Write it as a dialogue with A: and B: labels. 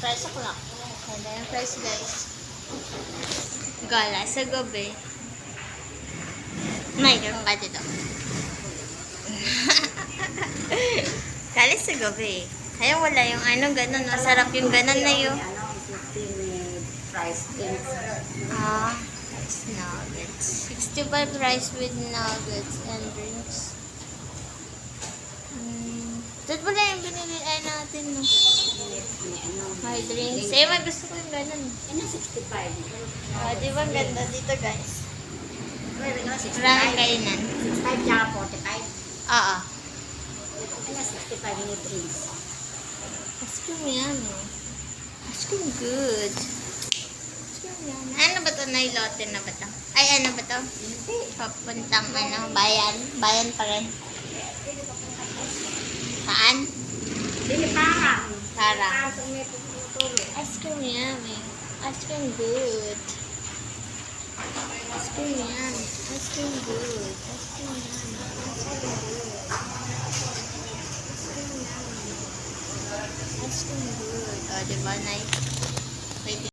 A: price o'clock.
B: Ganda yung price, guys. Gala sa gabi. May ganun ka dito. Gala sa gabi. Kaya wala yung ano, ganun. Masarap yung ganun na yun.
A: Ano, 50 with rice drinks.
B: Rice nuggets. 65 rice with nuggets and drinks. Dito pala yung binili natin, no? May drinks. Eh, may gusto ko yung ganun.
A: Ano, 65.
B: Di ba ang ganda dito, guys?
A: Well, ano, 65.
B: Maraming kainan.
A: 65 tsaka 45.
B: Oo.
A: Ano, 65 with drinks.
B: Ice cream yan, no? Ice cream good. Ice cream yan. Ano ba ito? Nailote na ba ito? Ay, ano ba ito? Papuntang, bayan. Bayan pa rin. Saan?
A: Dili parang.
B: Parang.
A: Parang may tutulog.
B: Ice cream yummy. Ice cream good. Ice cream yummy. Ice cream good. Ice cream yummy. Ice cream good. Ice cream yummy. Ice cream good. O, diba, Nay? Wait.